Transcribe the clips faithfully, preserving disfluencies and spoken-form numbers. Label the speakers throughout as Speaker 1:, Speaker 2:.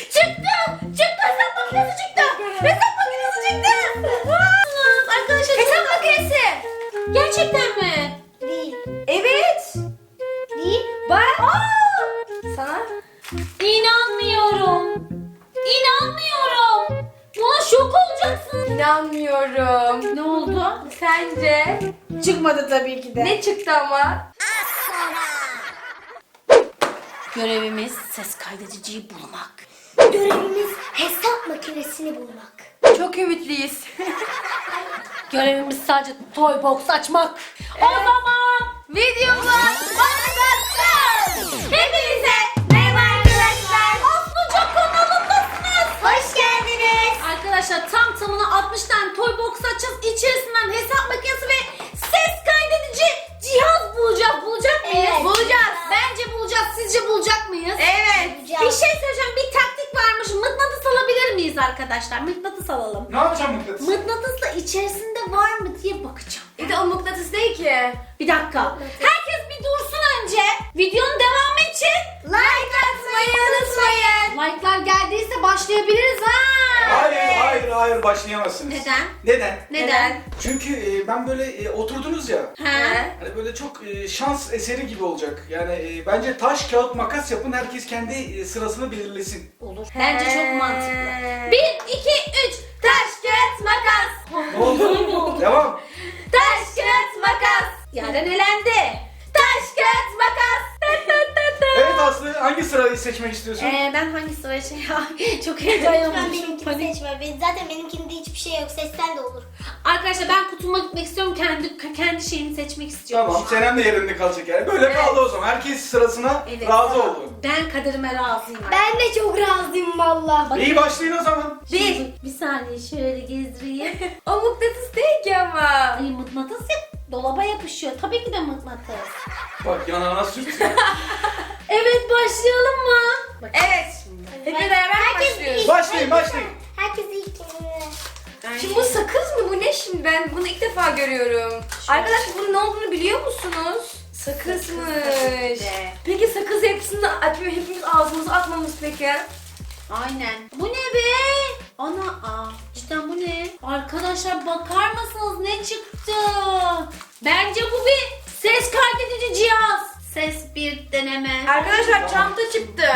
Speaker 1: Çıktı. Çıktı. Hesap makinesi çıktı. Hesap makinesi çıktı. Arkadaşlar hesap makinesi. Gerçekten mi?
Speaker 2: Değil.
Speaker 1: Evet.
Speaker 2: Değil.
Speaker 1: Bak. Aa! Sana.
Speaker 3: İnanmıyorum. İnanmıyorum. Buna şok olacaksın.
Speaker 1: İnanmıyorum.
Speaker 3: Ne oldu?
Speaker 1: Sence?
Speaker 3: Çıkmadı tabii ki de.
Speaker 1: Ne çıktı ama?
Speaker 3: Görevimiz ses kaydediciyi bulmak.
Speaker 2: Görevimiz hesap makinesini bulmak.
Speaker 1: Çok ümitliyiz.
Speaker 3: Görevimiz sadece toy box açmak. O zaman
Speaker 1: Videomuz başlasın. Hepinize merhaba arkadaşlar.
Speaker 3: Aslıca kanalındasınız.
Speaker 2: Hoş geldiniz.
Speaker 3: Arkadaşlar tam tamına altmış tane toy box açacağız. İçerisinden hesap makinesi ve ses kaydedici cihaz bulacağız. Bulacak mıyız?
Speaker 2: Evet.
Speaker 3: Bulacağız. Bence bulacağız. Sizce bulacak mıyız?
Speaker 1: Evet.
Speaker 3: Bir şey söyleyeceğim. Bir taktik varmış. Mıknatıs alabilir miyiz arkadaşlar? Mıknatıs alalım.
Speaker 4: Ne yapacağım mıknatıs?
Speaker 3: Mıknatısla içerisinde var mı diye bakacağım.
Speaker 1: Bir de o mıknatıs değil ki.
Speaker 3: Bir dakika. Herkes bir dursun önce. Videonun devamı için
Speaker 1: Like atmayı unutmayın.
Speaker 3: like'lar geldiyse başlayabiliriz ha.
Speaker 4: Hayır, hayır, hayır başlayamazsınız.
Speaker 3: Neden?
Speaker 4: Neden?
Speaker 3: Neden?
Speaker 4: Çünkü e, ben böyle e, oturdunuz ya.
Speaker 3: Ha?
Speaker 4: Hani böyle çok e, şans eseri gibi olacak. Yani e, bence taş, kağıt, makas yapın. Herkes kendi e, sırasını belirlesin.
Speaker 3: Olur. Bence çok mantıklı.
Speaker 1: Bir.
Speaker 3: Bir, iki, üç.
Speaker 1: Taş, kağıt, makas.
Speaker 4: Ne oldu? Devam.
Speaker 1: Taş, kağıt, makas.
Speaker 3: Yaren elendi.
Speaker 1: Taş, kağıt, makas.
Speaker 4: Evet Aslı, hangi sırayı seçmek istiyorsun?
Speaker 3: Ee, ben hangi sıraya şey çok
Speaker 2: Lütfen
Speaker 3: heyecanlandım.
Speaker 2: benimkini
Speaker 3: Panik.
Speaker 2: seçme. Ben, zaten benimkinde hiçbir şey yok. Sesten de olur.
Speaker 3: Arkadaşlar ben kutuma gitmek istiyorum. Kendi kendi şeyimi seçmek istiyorum.
Speaker 4: Tamam, Senem de yerinde kalacak yani. Böyle kaldı o zaman. Herkes sırasına
Speaker 3: Evet,
Speaker 4: razı
Speaker 3: tamam.
Speaker 4: oldu.
Speaker 3: Ben kaderime razıyım.
Speaker 2: Ben de çok razıyım valla.
Speaker 4: İyi başlayın o zaman.
Speaker 1: Bir.
Speaker 3: Bir saniye şöyle gezdireyim.
Speaker 1: O mıknatıs değil ki ama.
Speaker 3: Ay mıknatıs ya dolaba yapışıyor. Tabii ki de mıknatıs.
Speaker 4: Bak yanağına sürtün.
Speaker 3: Evet başlayalım mı?
Speaker 1: Evet. Hep beraber
Speaker 2: Herkes
Speaker 1: başlıyoruz.
Speaker 2: ilk-
Speaker 4: Başlayın,
Speaker 2: herkes-
Speaker 4: başlayın.
Speaker 2: Herkes ilk kendine.
Speaker 1: Şimdi bu sakız mı? Bu ne şimdi? Ben bunu ilk defa görüyorum. Arkadaşlar bunun ne olduğunu biliyor musunuz? Sakızmış.
Speaker 3: de.
Speaker 1: Peki sakız hepsini açmıyor, hepimiz ağzımıza atmamız peki?
Speaker 3: Aynen. Bu ne be? Ana aa cidden bu ne? Arkadaşlar bakar mısınız ne çıktı? Bence bu bir ses kaydedici cihaz. Ses bir deneme.
Speaker 1: Arkadaşlar çanta çıktı.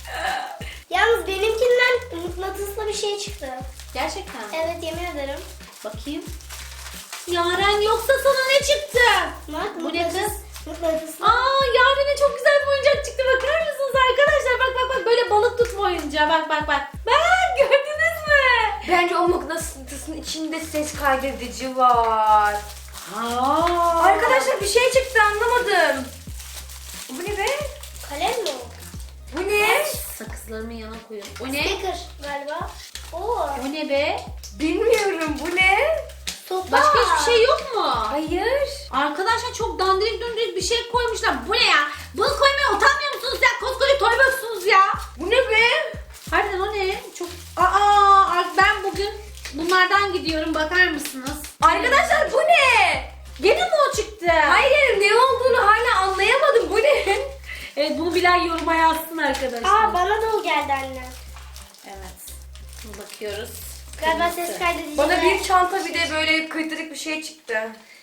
Speaker 2: Yalnız benimkinden mıknatıslı bir şey çıktı.
Speaker 3: Gerçekten.
Speaker 2: Evet yemin ederim.
Speaker 3: Bakayım. Yaren yoksa sana ne çıktı?
Speaker 2: Bak,
Speaker 3: Bu ne kız?
Speaker 2: Mıknatıslı.
Speaker 3: Aa Yaren'e çok güzel bir oyuncak çıktı. Bakar mısınız arkadaşlar? Bak bak bak böyle balık tutma oyuncağı. Bak bak bak. Bak gördünüz mü?
Speaker 1: Bence o mıknatısın içinde ses kaydedici var.
Speaker 3: Aa.
Speaker 1: Arkadaşlar bir şey çıktı anlamadım. Bu ne be?
Speaker 2: Kalem mi o?
Speaker 1: Bu ne?
Speaker 3: Sakızlarımı yana koyuyorum. O ne?
Speaker 2: Sticker galiba. Oo.
Speaker 3: O ne be?
Speaker 1: Bilmiyorum bu ne?
Speaker 2: Sopa.
Speaker 3: Başka hiçbir şey yok mu?
Speaker 1: Hayır.
Speaker 3: Arkadaşlar çok dandirik dundirik bir şey koymuşlar. Bu ne ya? Bunu koymaya utanmıyor musunuz ya? Koskoca toy box'sunuz ya.
Speaker 1: Bu ne be?
Speaker 3: Harbiden o ne? Çok... Aa ben bugün bunlardan gidiyorum. Bakar mısınız?
Speaker 1: Arkadaşlar bu ne?
Speaker 3: Gene mi o çıktı?
Speaker 1: Hayır ne olduğunu hala anlayamadım. Bu ne?
Speaker 3: Evet bunu bilen yoruma yazsın arkadaşlar.
Speaker 2: Aa bana da o geldi anne.
Speaker 3: Evet. Şimdi bakıyoruz.
Speaker 2: Galiba
Speaker 3: Kırmızı.
Speaker 2: ses kaydedici.
Speaker 1: Bana bir çanta bir de böyle kıytırık bir şey çıktı.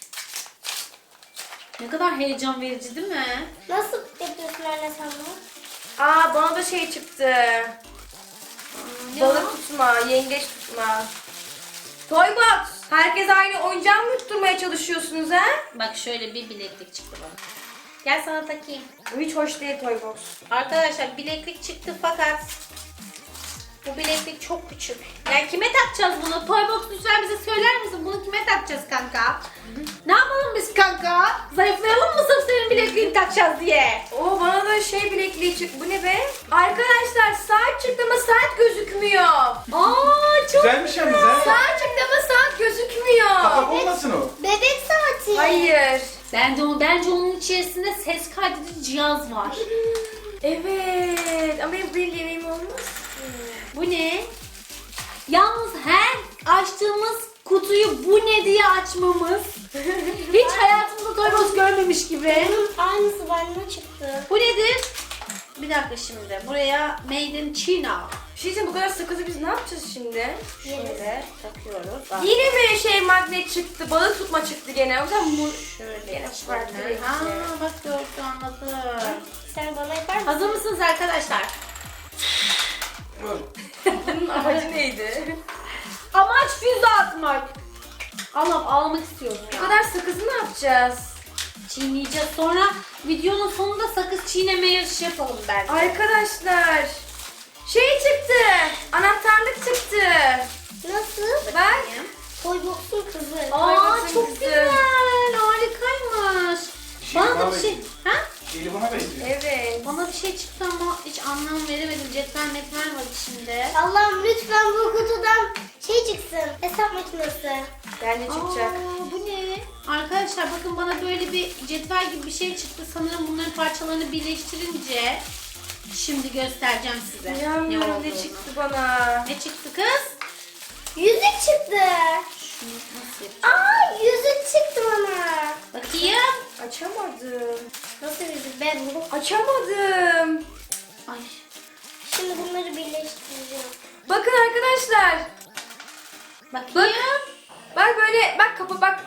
Speaker 3: Ne kadar heyecan verici değil mi?
Speaker 2: Nasıl yapıyorsun anne sen bunu?
Speaker 1: Aa bana da şey çıktı.
Speaker 3: Ne
Speaker 1: Balık
Speaker 3: o?
Speaker 1: tutma, yengeç tutma. Toybox. Herkes aynı oyuncağı mı tutturmaya çalışıyorsunuz ha?
Speaker 3: Bak şöyle bir bileklik çıktı bana. Gel sana takayım.
Speaker 1: Bu hiç hoş değil Toybox.
Speaker 3: Arkadaşlar bileklik çıktı fakat bu bileklik çok küçük. Yani kime takacağız bunu? Toybox lütfen bize söyler misin? Bunu kime takacağız kanka? Ne yapalım biz kanka? Zayıflayalım mı sırf senin bilekliğini takacağız diye?
Speaker 1: Oo bana da şey bilekliği çıktı. Bu ne be? Arkadaşlar saat çıktı ama saat gözükmüyor.
Speaker 3: Aa çok
Speaker 4: Güzelmiş yalnız ha.
Speaker 1: Saat çıktı ama saat gözükmüyor.
Speaker 4: Kapak olmasın o.
Speaker 2: Bebek saati.
Speaker 1: Hayır.
Speaker 3: Bence, o, bence onun içerisinde ses kaydedici cihaz var.
Speaker 1: Evet ama benim bir yemeğim olmaz.
Speaker 3: Bu ne? Yalnız her açtığımız kutuyu bu ne diye açmamız hiç hayatımızda Toybox görmemiş gibi.
Speaker 2: Bunun aynısı bana çıktı.
Speaker 3: Bu nedir? Bir dakika şimdi. Buraya Made in China.
Speaker 1: Bir şey diyeceğim, bu kadar sakızı biz ne yapacağız şimdi?
Speaker 3: Şöyle takıyoruz. Bak.
Speaker 1: Yine mi şey magnet çıktı, balık tutma çıktı gene. O yüzden mu...
Speaker 3: Şöyle
Speaker 1: Yine farklı
Speaker 3: içlerine.
Speaker 1: renkli.
Speaker 3: Aa bak gördü anladım.
Speaker 2: Sen bana yapar mısın?
Speaker 3: Hazır mısınız arkadaşlar?
Speaker 1: Bunun amacı neydi?
Speaker 3: Amaç füze atmak. Allah'ım ağlamak istiyorum
Speaker 1: Bu
Speaker 3: ya.
Speaker 1: kadar sakızı ne yapacağız?
Speaker 3: Çiğneyeceğiz. Sonra videonun sonunda sakız çiğneme yarışı yapalım bence.
Speaker 1: Arkadaşlar, şey çıktı, anahtarlık çıktı.
Speaker 2: Nasıl?
Speaker 1: Bak.
Speaker 2: Toybox'un kızı.
Speaker 3: Aa
Speaker 1: Hayvansın
Speaker 3: çok
Speaker 1: kızı.
Speaker 3: güzel. Harikaymış.
Speaker 4: Şey,
Speaker 3: Bana da
Speaker 4: bana
Speaker 3: bir şey...
Speaker 4: benziyor.
Speaker 3: Ha?
Speaker 4: Eli bana benziyor.
Speaker 1: Evet.
Speaker 3: Bana bir şey çıktı ama hiç anlam veremedim. Cetvel metvel var içinde.
Speaker 2: Allah'ım lütfen bu kutudan şey çıksın. Hesap makinesi.
Speaker 1: Yani çıkacak.
Speaker 3: Aa, bu ne? Arkadaşlar bakın bana böyle bir cetvel gibi bir şey çıktı. Sanırım bunların parçalarını birleştirince şimdi göstereceğim size. ne
Speaker 1: İnanmıyorum,
Speaker 3: olduğunu.
Speaker 1: ne çıktı bana.
Speaker 3: Ne çıktı kız?
Speaker 2: Yüzük çıktı.
Speaker 3: Şunu nasıl yapacağım?
Speaker 2: Aa yüzük çıktı bana.
Speaker 3: Bakayım.
Speaker 1: Açamadım.
Speaker 2: Nasıl yüzük? Ben bunu...
Speaker 1: Açamadım.
Speaker 3: Ay.
Speaker 2: Şimdi bunları birleştireceğim.
Speaker 1: Bakın arkadaşlar.
Speaker 3: Bakayım.
Speaker 1: Bak böyle, bak kapı bak.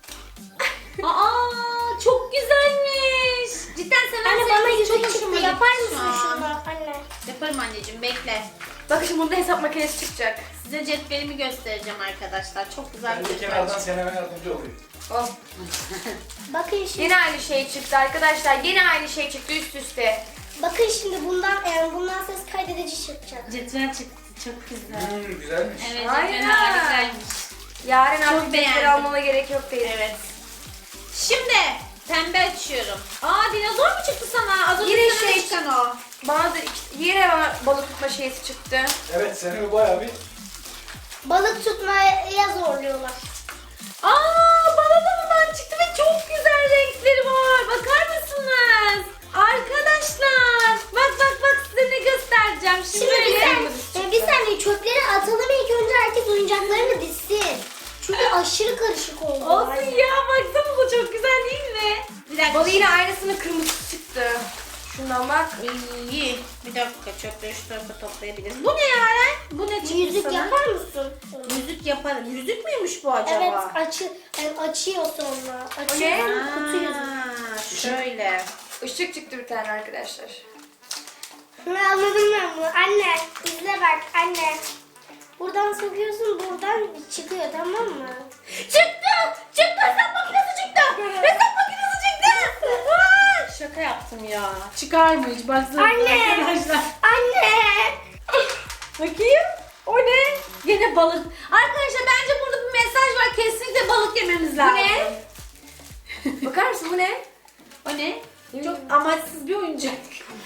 Speaker 3: Aa çok güzelmiş. Cidden sen
Speaker 2: Anne bana yüzük çıktı.
Speaker 3: hoşuma
Speaker 2: Yapar
Speaker 3: gitti
Speaker 2: mısın
Speaker 3: şu an.
Speaker 2: şunu? Anne.
Speaker 3: Yaparım anneciğim bekle.
Speaker 1: Bakın şimdi bunda hesap makinesi çıkacak.
Speaker 3: Size cetvelimi göstereceğim arkadaşlar. Çok güzel
Speaker 4: Ben
Speaker 3: bir
Speaker 4: de
Speaker 3: cetvel
Speaker 4: kenardan
Speaker 3: çıktı.
Speaker 4: Senem'e yardımcı olayım.
Speaker 1: Oh.
Speaker 2: Bakın şimdi.
Speaker 1: Yine aynı şey çıktı arkadaşlar. Yine aynı şey çıktı üst üste.
Speaker 2: Bakın şimdi bundan yani bundan ses kaydedici çıkacak.
Speaker 3: Cetvel çıktı. Çok güzel.
Speaker 4: Hmm, güzelmiş.
Speaker 3: Evet
Speaker 1: Aynen.
Speaker 3: cetvel harikaymış.
Speaker 1: Yarın
Speaker 3: Çok
Speaker 1: artık defter
Speaker 3: beğendim.
Speaker 1: almana gerek yok değil.
Speaker 3: Evet. Şimdi pembe açıyorum. Aa dinozor mu çıktı sana? Az önce
Speaker 1: Yine
Speaker 3: sana
Speaker 1: şey
Speaker 3: çıkan o.
Speaker 1: Bana da iki- yine bana balık tutma şeysi çıktı.
Speaker 4: Evet Senem'i bayağı bir
Speaker 2: Balık tutmaya zorluyorlar.
Speaker 3: Aa bana da bundan çıktı ve çok güzel renkleri var. Bakar mısınız? Arkadaşlar. Bak bak bak size ne göstereceğim. Şimdi,
Speaker 2: Şimdi bir
Speaker 3: böyle-
Speaker 2: saniye, bir saniye çöpleri atalım ilk önce herkes oyuncaklarını dizsin. Çünkü aşırı karışık oldu.
Speaker 3: Olsun ya baksanıza çok güzel değil mi? Bir dakika.
Speaker 1: Bana yine aynısının kırmızısı çıktı. Şundan bak.
Speaker 3: İyi. Bir dakika çöpleri şu tarafa toplayabiliriz. Bu ne Yaren? Bu ne çıktı
Speaker 2: Yüzük
Speaker 3: sana?
Speaker 2: yapar mısın?
Speaker 3: Yüzük yaparım. Yüzük müymüş bu acaba?
Speaker 2: Evet açı, yani açıyor sonra.
Speaker 1: O ne?
Speaker 2: Açıyor sonra kutu yüzük.
Speaker 3: Aa, şöyle.
Speaker 1: Işık çıktı bir tane arkadaşlar.
Speaker 2: Ne anladım ben bunu. Anne izle bak anne. Buradan sokuyorsun buradan çıkıyor tamam mı?
Speaker 3: Çıktı! Çıktı! Hesap makinesi çıktı! Hesap makinesi çıktı! Aa, şaka yaptım ya. Çıkar mı hiç? Baksana
Speaker 2: Anne!
Speaker 3: arkadaşlar.
Speaker 2: Anne!
Speaker 3: Bakayım. O ne? Yine balık. Arkadaşlar bence burada bir mesaj var. Kesinlikle balık yememiz lazım.
Speaker 1: ne? Bakar mısın bu ne?
Speaker 3: O ne? Çok amaçsız bir oyuncak.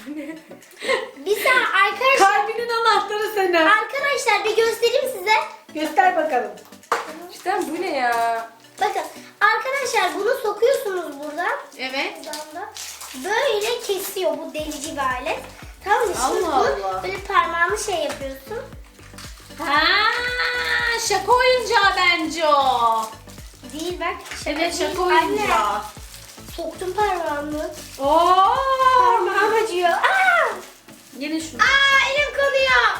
Speaker 2: Bir saniye arkadaşlar.
Speaker 3: Kalbinin anahtarı senin.
Speaker 2: Arkadaşlar bir göstereyim size.
Speaker 3: Göster bakalım.
Speaker 1: Cidden bu ne ya?
Speaker 2: Bakın arkadaşlar bunu sokuyorsunuz buradan.
Speaker 3: Evet.
Speaker 2: Buradan da. Böyle kesiyor bu delici bir alet. Tamam mı? Şimdi
Speaker 3: Allah
Speaker 2: bunu
Speaker 3: Allah.
Speaker 2: böyle parmağını şey yapıyorsun.
Speaker 3: Ha, şaka oyuncağı bence o.
Speaker 2: Değil bak. şaka
Speaker 3: Evet
Speaker 2: değil.
Speaker 3: şaka
Speaker 2: Anne,
Speaker 3: oyuncağı.
Speaker 2: soktum parmağımı.
Speaker 3: Oo.
Speaker 2: Parmağım acıyor. Aa!
Speaker 3: Yine şunu.
Speaker 2: Aa elim kanıyor.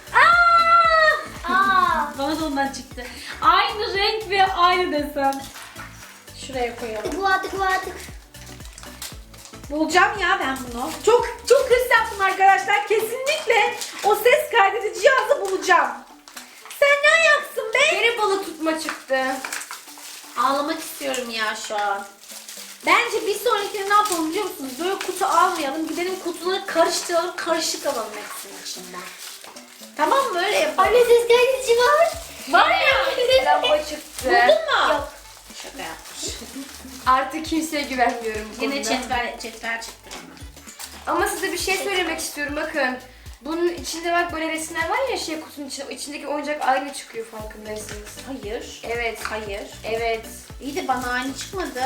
Speaker 3: Aa!
Speaker 2: Aa!
Speaker 3: Bana da ondan çıktı. Aynı renk ve aynı desen. Şuraya koyalım.
Speaker 2: Bu atık bu atık.
Speaker 3: Bulacağım ya ben bunu. Çok çok hırs yaptım arkadaşlar. Kesinlikle o ses kaydedici cihazı bulacağım. Sen ne ayaksın be?
Speaker 1: Yine balık tutma çıktı.
Speaker 3: Ağlamak istiyorum ya şu an. Bence bir sonrakine ne yapalım biliyor musunuz? Böyle kutu almayalım. Gidelim kutuları karıştıralım. Karışık alalım hepsinin içinden. Tamam mı? Öyle yapalım.
Speaker 2: Anne ses kaydedici var.
Speaker 3: Var ya.
Speaker 1: Lamba çıktı.
Speaker 3: Buldun mu?
Speaker 2: Yok.
Speaker 3: Şaka yapmış.
Speaker 1: Artık kimseye güvenmiyorum bu
Speaker 3: Yine
Speaker 1: konuda.
Speaker 3: cetvel, cetvel çıktı bana.
Speaker 1: Ama size bir şey söylemek istiyorum bakın. Bunun içinde bak böyle resimler var ya şey kutunun içinde. O içindeki oyuncak aynı çıkıyor farkındaysanız.
Speaker 3: Hayır.
Speaker 1: Evet.
Speaker 3: Hayır.
Speaker 1: Evet.
Speaker 3: İyi de bana aynı çıkmadı.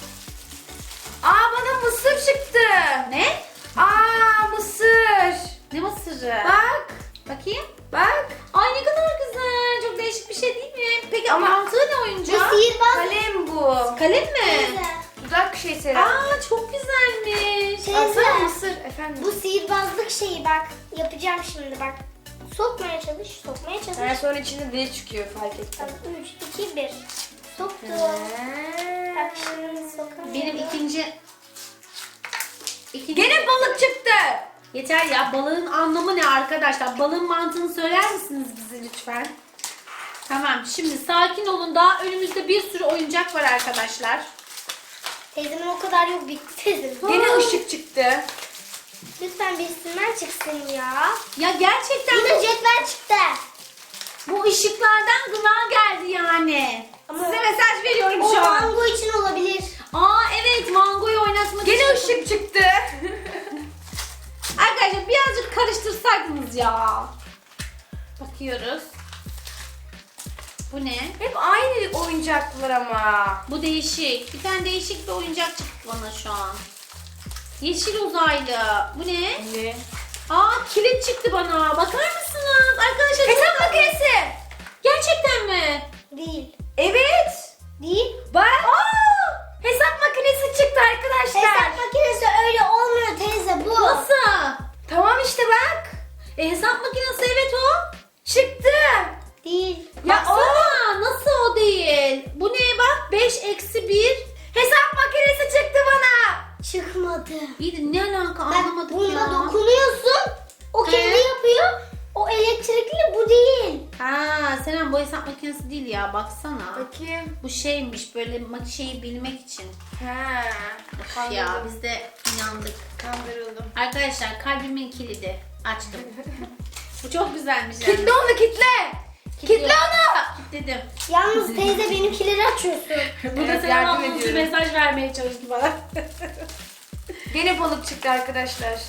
Speaker 1: Aa bana mısır çıktı.
Speaker 3: Ne?
Speaker 1: Aa mısır.
Speaker 3: Ne mısırı?
Speaker 1: Bak.
Speaker 3: Bakayım.
Speaker 1: Bak.
Speaker 3: Ay ne kadar güzel. Çok değişik bir şey değil mi? Peki
Speaker 1: Ama-
Speaker 3: ama mantığı ne
Speaker 2: Bu
Speaker 3: oyuncağı?
Speaker 2: sihirbaz.
Speaker 1: Kalem bu.
Speaker 3: Kalem mi?
Speaker 2: Teyze.
Speaker 1: Dudak şey Sera.
Speaker 3: Aa çok güzelmiş.
Speaker 2: Teyze.
Speaker 1: Alsana mısır efendim.
Speaker 2: Bu sihirbazlık şeyi bak. Yapacağım şimdi bak. Sokmaya çalış, sokmaya çalış.
Speaker 5: Daha sonra içinde deli çıkıyor fark ettim.
Speaker 2: Tamam, üç, iki, bir. Soktum. Bak şimdi sokamıyorum.
Speaker 3: Benim ikinci... ikinci...
Speaker 5: Gene balık çıktı.
Speaker 3: Yeter ya, balığın anlamı ne arkadaşlar? Balığın mantığını söyler misiniz bize lütfen? Tamam, şimdi sakin olun, daha önümüzde bir sürü oyuncak var arkadaşlar.
Speaker 2: Teyzemin o kadar yok, bitti teyzemin.
Speaker 5: Gene ışık çıktı.
Speaker 2: Lütfen birisinden çıksın ya.
Speaker 3: Ya gerçekten
Speaker 2: Yine
Speaker 3: bu,
Speaker 2: cetvel çıktı.
Speaker 3: bu ışıklardan gına geldi yani.
Speaker 2: Ama
Speaker 3: Size mesaj veriyorum
Speaker 2: o
Speaker 3: şu an.
Speaker 2: mango için olabilir.
Speaker 3: Aa evet, mangoyu oynatmak
Speaker 5: Gene
Speaker 3: için.
Speaker 5: ışık çıktı.
Speaker 3: Arkadaşlar birazcık karıştırsaydınız ya. Bakıyoruz. Bu ne?
Speaker 5: Hep aynı oyuncaklar ama.
Speaker 3: Bu değişik. Bir tane değişik bir oyuncak çıktı bana şu an. Yeşil uzaylı. Bu ne?
Speaker 5: Ne?
Speaker 3: Aa, kilit çıktı bana. Bakar mısınız? Arkadaşlar
Speaker 5: Hesap makinesi.
Speaker 3: gerçekten mi?
Speaker 2: Değil.
Speaker 5: Evet.
Speaker 2: Değil.
Speaker 5: Bak. Aa, hesap makinesi çıktı arkadaşlar.
Speaker 2: Hesap makinesi öyle olmuyor teyze bu.
Speaker 3: Nasıl?
Speaker 5: Tamam işte bak.
Speaker 3: E, hesap makinesi evet o.
Speaker 5: Çıktı.
Speaker 2: Değil.
Speaker 5: Ya o.
Speaker 3: Baksana, nasıl o değil? Bu ne bak? beş eksi bir.
Speaker 5: Hesap makinesi çıktı bana.
Speaker 2: Çıkmadı.
Speaker 3: İyi de ne alaka
Speaker 2: Bak
Speaker 3: anlamadık
Speaker 2: bunda
Speaker 3: ya.
Speaker 2: dokunuyorsun. O kendi
Speaker 3: He?
Speaker 2: yapıyor. O elektrikli, bu değil.
Speaker 3: Ha, Selen bu hesap makinesi değil ya, baksana.
Speaker 5: Bakayım.
Speaker 3: Bu şeymiş, böyle mak- şeyi bilmek için.
Speaker 5: Ha.
Speaker 3: Of ya, biz de inandık.
Speaker 5: Kandırıldım.
Speaker 3: Arkadaşlar kalbimin kilidi açtım. Bu çok güzelmiş yani.
Speaker 5: Kitle onu kitle. Kitle onu.
Speaker 3: Kilitledim.
Speaker 2: Yalnız teyze benimkileri açıyorsun.
Speaker 3: Burada
Speaker 5: Evet,
Speaker 3: Selen
Speaker 5: yardım
Speaker 3: ablamız
Speaker 5: ediyorum.
Speaker 3: mesaj vermeye çalıştı bana.
Speaker 5: Gene balık çıktı arkadaşlar.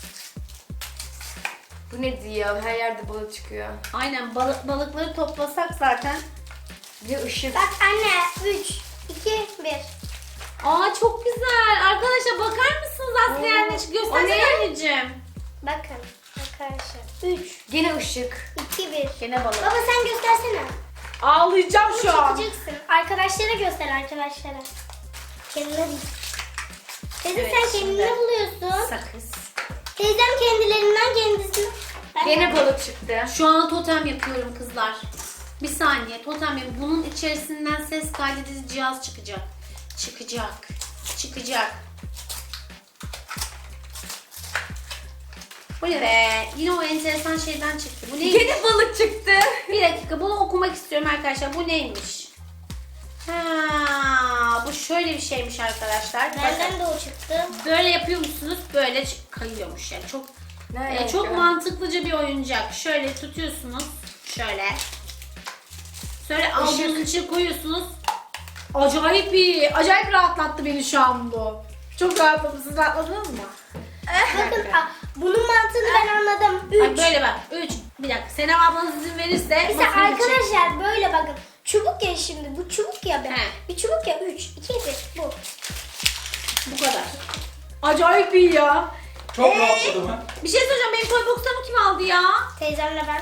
Speaker 5: Bu ne diyor? Her yerde balık çıkıyor.
Speaker 3: Aynen, balık, balıkları toplasak zaten.
Speaker 5: Bir ışık.
Speaker 2: Bak anne, üç, iki, bir.
Speaker 3: Aa çok güzel. Arkadaşlar bakar mısınız Aslı
Speaker 5: Oo.
Speaker 3: anneciğim?
Speaker 5: O ne?
Speaker 3: Göstersene anneciğim.
Speaker 2: Bakın arkadaşlar. Üç,
Speaker 5: Gene ışık.
Speaker 2: iki, bir.
Speaker 3: Gene balık.
Speaker 2: Baba sen göstersene.
Speaker 3: Ağlayacağım
Speaker 2: Bunu
Speaker 3: şu an.
Speaker 2: çekeceksin. Arkadaşlara göster, arkadaşlara. Kendine değil. Teyze
Speaker 3: Evet,
Speaker 2: sen
Speaker 3: şimdi.
Speaker 2: kendine buluyorsun.
Speaker 3: Sakız.
Speaker 2: Teyzem kendilerinden kendisini. Ben
Speaker 5: Gene balık çıktı.
Speaker 3: Şu an totem yapıyorum kızlar. Bir saniye, totem yapıyorum. Bunun içerisinden ses kaydedici cihaz çıkacak. Çıkacak. Çıkacak. Bu ne be? Yine o enteresan şeyden çıktı. Bu neymiş?
Speaker 5: Gene balık çıktı.
Speaker 3: Bir dakika, bunu okumak istiyorum arkadaşlar. Bu neymiş? Ha, bu şöyle bir şeymiş arkadaşlar. Bakın.
Speaker 2: Benden de o çıktı.
Speaker 3: Böyle yapıyormuşsunuz, böyle ç- kayıyormuş yani. Çok
Speaker 5: Ne
Speaker 3: e, çok mantıklıca bir oyuncak. Şöyle tutuyorsunuz, şöyle. Şöyle avucunuzun içine koyuyorsunuz. Acayip iyi, acayip rahatlattı beni şu an bu. Çok rahatladım. Siz rahatladınız mı?
Speaker 2: Bakın a, bunun mantığını ben anladım.
Speaker 3: Bak
Speaker 2: Üç.
Speaker 3: böyle bak. Üç. Bir dakika. Senem ablanız izin verirse.
Speaker 2: Mesela
Speaker 3: masanın içine-
Speaker 2: arkadaşlar böyle bakın. Çubuk ya şimdi. Bu çubuk ya be.
Speaker 3: He.
Speaker 2: Bir çubuk ya. Üç, iki, bir. Bu.
Speaker 3: Bu kadar. Acayip iyi ya.
Speaker 4: Çok rahatladım ha.
Speaker 3: Bir şey söyleyeceğim. Benim toy box'larımı kim aldı ya?
Speaker 2: Teyzemle ben.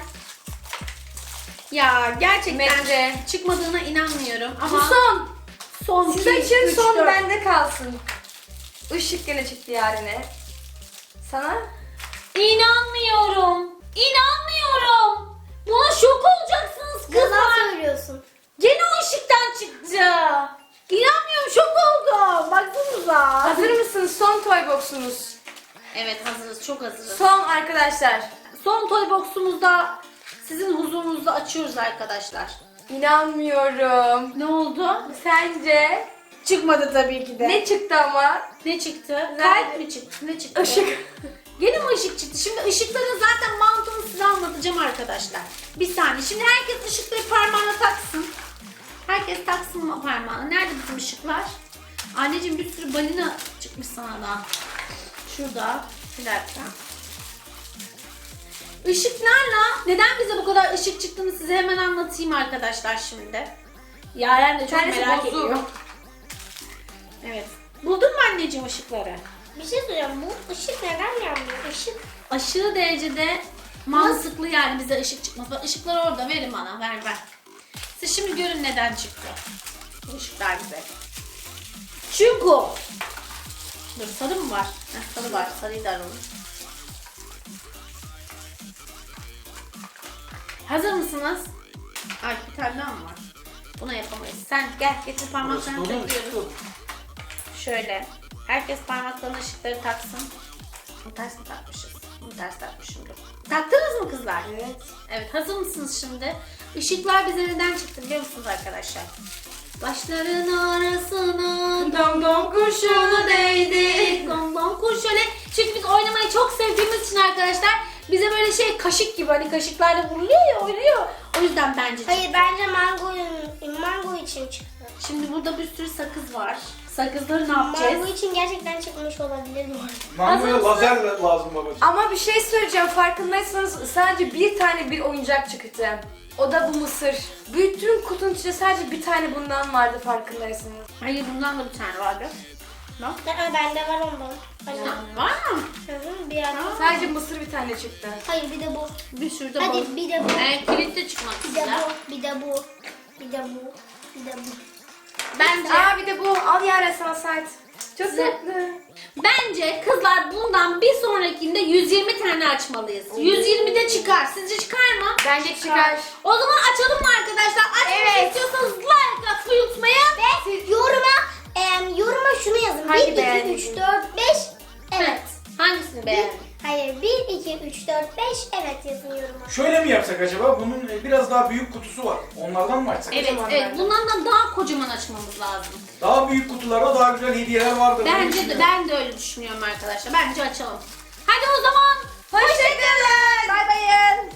Speaker 3: Ya gerçekten
Speaker 5: Mete.
Speaker 3: çıkmadığına inanmıyorum. Ama
Speaker 5: Bu son.
Speaker 3: son
Speaker 5: Siz
Speaker 3: iki,
Speaker 5: açın
Speaker 3: üç,
Speaker 5: son
Speaker 3: dört.
Speaker 5: bende kalsın. Işık gene çıktı yarine. Sana?
Speaker 3: İnanmıyorum. İnanmıyorum. Buna şok olacaksınız
Speaker 2: Yalan
Speaker 3: kızlar.
Speaker 2: söylüyorsun.
Speaker 3: Gene o ışıktan çıktı. İnanmıyorum, şok oldum. Baksanıza.
Speaker 5: Hazır mısınız? Son toy box'unuz.
Speaker 3: Evet hazırız, çok hazırız.
Speaker 5: Son arkadaşlar.
Speaker 3: Son toy box'umuzda sizin huzurunuzda açıyoruz arkadaşlar.
Speaker 5: İnanmıyorum.
Speaker 3: Ne oldu?
Speaker 5: Sence?
Speaker 3: Çıkmadı tabii ki de.
Speaker 5: Ne çıktı ama?
Speaker 3: Ne çıktı?
Speaker 5: Nerede?
Speaker 3: Kalp mi çıktı? Ne çıktı?
Speaker 5: Işık.
Speaker 3: Gene mi ışık çıktı? Şimdi ışıkların zaten mantığını size anlatacağım arkadaşlar. Bir saniye. Şimdi herkes ışıkları parmağına taksın. Herkes taksın mı parmağına? Nerede bizim ışıklar? Anneciğim bir sürü balina çıkmış sana da. Şurada. Bir dakika. Işıklarla neden bize bu kadar ışık çıktığını size hemen anlatayım arkadaşlar şimdi. Yaren de çok
Speaker 5: Tanesi
Speaker 3: merak
Speaker 5: bozuk.
Speaker 3: ediyor. Evet. Buldun mu anneciğim ışıkları?
Speaker 2: Bir şey söyleyeceğim. Bu ışık neden yanmıyor? Işık.
Speaker 3: Aşırı derecede mantıklı yani bize ışık çıkması. Bak ışıklar orada, verin bana, ver ver. Siz şimdi görün neden çıktı bu ışıklar bize. Çünkü dur, sarı mı var? Heh, sarı var, sarıyı da alalım. Hazır mısınız? Ay bir tane daha mı var? Buna yapamayız. Sen gel getir parmaklarını
Speaker 4: Burası dolu,
Speaker 3: takıyoruz.
Speaker 4: dolu.
Speaker 3: Şöyle. Herkes parmaklarına ışıkları taksın. Bunu ters mi takmışız? Bunu ters takmışımdır. Taktınız mı kızlar?
Speaker 5: Evet.
Speaker 3: Evet, hazır mısınız şimdi? Işıklar bize neden çıktı biliyor musunuz arkadaşlar? Başların arasına
Speaker 5: Dom dom kurşunu değdi.
Speaker 3: dom dom kuş şöyle. Çünkü biz oynamayı çok sevdiğimiz için arkadaşlar bize böyle şey kaşık gibi hani kaşıklarla vuruluyor ya oynuyor. O yüzden bence çıktı.
Speaker 2: Hayır bence mango, mango için çıktı.
Speaker 3: Şimdi burada bir sürü sakız var. Sakızları ne yapacağız?
Speaker 2: Mango için gerçekten çıkmış olabilir mi?
Speaker 4: Mangoya
Speaker 3: Hazır
Speaker 4: lazer lazım babacığım.
Speaker 5: Ama bir şey söyleyeceğim, farkındaysanız sadece bir tane bir oyuncak çıktı. O da bu mısır. Bütün kutunun içinde sadece bir tane bundan vardı, farkındaysanız.
Speaker 3: Hayır bundan da bir tane vardı. Bak.
Speaker 2: Aa, bende var ondan. Hayır.
Speaker 3: Var mı?
Speaker 2: Hı hı, bir ara.
Speaker 5: Sadece mısır bir tane çıktı.
Speaker 2: Hayır bir de bu.
Speaker 3: Bir sürü de
Speaker 2: Hadi
Speaker 3: balık.
Speaker 2: bir de bu.
Speaker 3: Ee, kilit de çıkmak
Speaker 2: Bir de
Speaker 3: üzere.
Speaker 2: bu. Bir de bu. Bir de bu. Bir de bu.
Speaker 3: Bence,
Speaker 5: Aa bir de bu. Al Yaren sana sert. Çok
Speaker 3: Size-
Speaker 5: tatlı.
Speaker 3: bence kızlar bundan bir sonrakinde yüz yirmi tane açmalıyız. yüz yirmi de çıkar. Sizce çıkar mı?
Speaker 5: Bence çıkar.
Speaker 3: O zaman açalım mı arkadaşlar? Açmak
Speaker 5: Evet.
Speaker 3: istiyorsanız like atmayı unutmayın.
Speaker 2: Ve yoruma, em, yoruma şunu yazın.
Speaker 5: Hangi
Speaker 2: bir, iki,
Speaker 5: beğendiniz?
Speaker 2: üç, dört, beş. Evet.
Speaker 3: Hangisini beğendin?
Speaker 2: Hayır bir, iki, üç, dört, beş. Evet yazın yoruma.
Speaker 4: Şöyle mi yapsak acaba? Bunun e, biraz daha büyük kutusu var. Onlardan mı açsak?
Speaker 3: Evet,
Speaker 5: Kocaman
Speaker 3: evet.
Speaker 5: bence.
Speaker 3: Bundan da daha kocaman açmamız lazım.
Speaker 4: Daha büyük kutularda daha güzel hediyeler vardır. diye
Speaker 3: Bence de,
Speaker 4: düşünüyorum.
Speaker 3: ben de öyle düşünüyorum arkadaşlar. Bence açalım. Hadi o zaman.
Speaker 5: Hoşçakalın. Bay bayın.